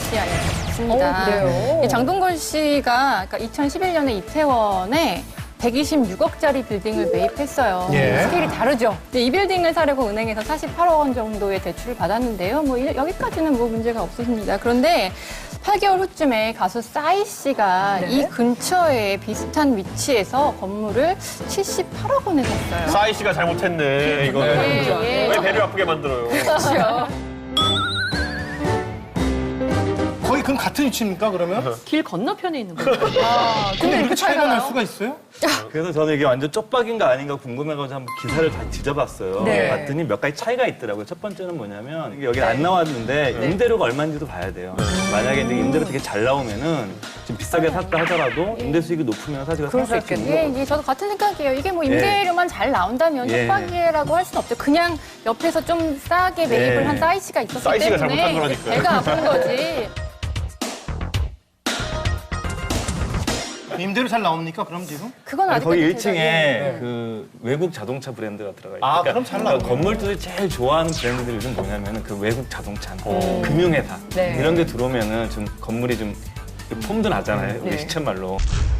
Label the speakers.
Speaker 1: 씨 아니었습니다.
Speaker 2: 그래요?
Speaker 1: 장동건 씨가 그러니까 2011년에 이태원에 126억짜리 빌딩을 매입했어요.
Speaker 3: 예.
Speaker 1: 스케일이 다르죠. 이 빌딩을 사려고 은행에서 48억 원 정도의 대출을 받았는데요. 뭐 여기까지는 뭐 문제가 없었습니다. 그런데 8개월 후쯤에 가수 싸이 씨가 이 근처에 비슷한 위치에서 건물을 78억 원에 샀어요.
Speaker 4: 싸이 씨가 잘못했네, 이거는.
Speaker 1: 예.
Speaker 4: 왜 배를 아프게 만들어요?
Speaker 1: 그렇죠.
Speaker 3: 거의 그럼 같은 위치입니까, 그러면?
Speaker 2: 길 건너편에 있는 거예요.
Speaker 3: 근데 이렇게 차이가 날 수가 있어요?
Speaker 5: 그래서 저는 이게 완전 쪽박인가 아닌가 궁금해가지고 한번 기사를 다 뒤져봤어요.
Speaker 2: 네.
Speaker 5: 봤더니 몇 가지 차이가 있더라고요. 첫 번째는 뭐냐면 이게 여기 안 나왔는데 임대료가 얼마인지도 봐야 돼요. 만약에 이제 임대료 되게 잘 나오면은 좀 비싸게 샀다 하더라도 임대 수익이 높으면 사실 상승할 수 있는 거거든요.
Speaker 1: 예, 저도 같은 생각이에요. 이게 뭐 임대료만 잘 나온다면
Speaker 5: 예.
Speaker 1: 협박이라고 할 수는 없죠. 그냥 옆에서 좀 싸게 매입을
Speaker 5: 예.
Speaker 1: 한 싸이 씨가 있었기
Speaker 4: 싸이 씨가
Speaker 1: 때문에
Speaker 4: 잘못한 거라니까요.
Speaker 1: 배가 아픈 거지.
Speaker 3: 임대료 잘 나옵니까, 그럼 지금?
Speaker 1: 그건 아직
Speaker 5: 거기 1층에 그 외국 자동차 브랜드가 들어가 있어요.
Speaker 3: 아, 그럼 잘 나오네요.
Speaker 5: 건물들이 제일 좋아하는 브랜드들이 요즘 뭐냐면은 그 외국 자동차, 금융회사
Speaker 2: 네.
Speaker 5: 이런 데 들어오면은 좀 건물이 좀 폼도 나잖아요. 우리
Speaker 2: 네.
Speaker 5: 시쳇말로.